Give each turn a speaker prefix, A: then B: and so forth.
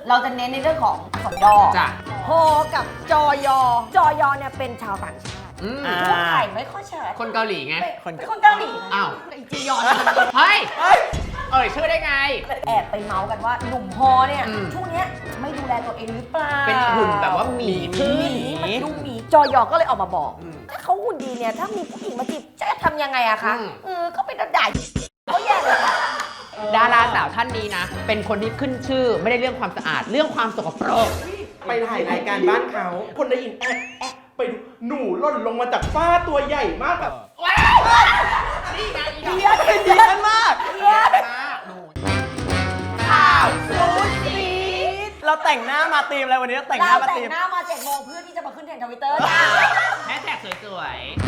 A: เราจะเน้นในเรื่องของอักษรย่อ
B: จ้ะ
A: ฮอกับจอยอ จอยอเนี่ยเป็นชาวต่างชาติพูดไทยไม่ค่อยชัด
B: คนเกาหลีไง
A: เป็นคนเกาหลีนะ
B: อ้าว
A: ไอจียอน
B: เฮ้ย ชื่อได้ไง
A: แอบไปเมาส์กันว่าหนุ่มฮอเนี่ย
B: อืม
A: ช่วงเนี้ยไม่ดูแลตัวเองหรือเปล่า
B: เป็นหุ่นแบบว่าหมีขึ้น
A: มันดูหมีจอยอก็เลยออกมาบอก ถ้าเขาหุ่นดีเนี่ยถ้ามีผู้หญิงมาจีบจะทำยังไงอะคะก็เป็นด่าเขาแย่เลยค่ะ
B: ดาราสาวท่านนี้นะ เป็นคนที่ขึ้นชื่อไม่ได้เรื่องความสะอาดเรื่องความสกปรก
C: ไปถ่ายรายการบ้านเขา คนได้ยินไปดูหนูหล่นลงมาจากฟ้าตัวใหญ่มากแบบ
B: นี่ไงอี
C: เดียนเป็นเดียนมาก
A: ข่าวซูซี
C: เราแต่งหน้ามาตีมอะไรวันนี้เราแต่งหน้า
A: เรา
C: มา
A: แต่
C: ตี
A: ง
C: ม
A: หน้ามา7 โมงเพื่อที่จะมาขึ้นเทรนด์ทวิตเตอร์จ้า
B: แฮชแท็กสวยๆ